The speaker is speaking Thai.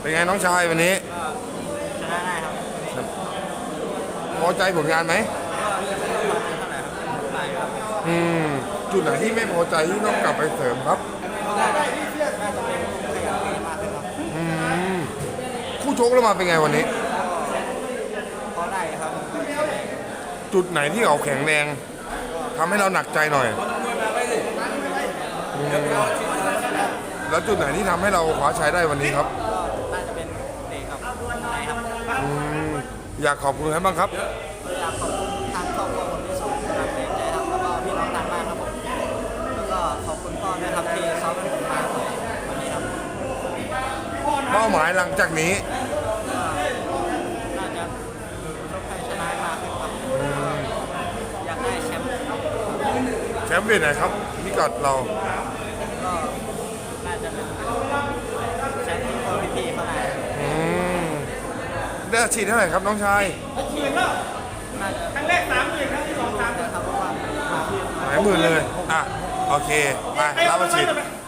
เป็นไงน้องชายวันนี้ก็ชนะได้ครับพอใจผลงานไหมก็ไม่เท่าไหร่ครับไปครับอืมจุดไหนที่ไม่พอใจที่ต้องกลับไปเสริมครับน่าจะเป็นขยันเล่นมากขึ้นครับอืมคู่ชกแล้วมาเป็นไงวันนี้พอได้ครับจุดไหนที่เขาแข็งแรงทำให้เราหนักใจหน่อยอืมแล้วจุดไหนที่ทำให้เราคว้าชัยได้วันนี้ครับก็น่าจะเป็นเด็กครับไหนครับอืมอยากขอบคุณใครบ้างครับอยากขอบคุณทางครอบครัวผมที่ส่งกำลังใจครับแล้วก็พี่น้องทางบ้านครับผมแล้วก็ขอบคุณพ่อด้วยครับที่ซ้อมให้ผมมาวันนี้ครับเป้าหมายหลังจากนี้น่าจะชกให้ชนะมากขึ้นครับอยากได้แชมป์แชมป์เวทไหนครับพิกัดเราก็น่าจะเป็นแชมป์ที่คนพี่ๆเขาได้อืมได้อาชีพเท่าไหร่ครับน้องชายน่าจะครั้งแรก30,000ครั้งที่2 3,000ครับเพราะว่าหลายหมื่นเลยอ่ะโอเคไปรับอาชีพ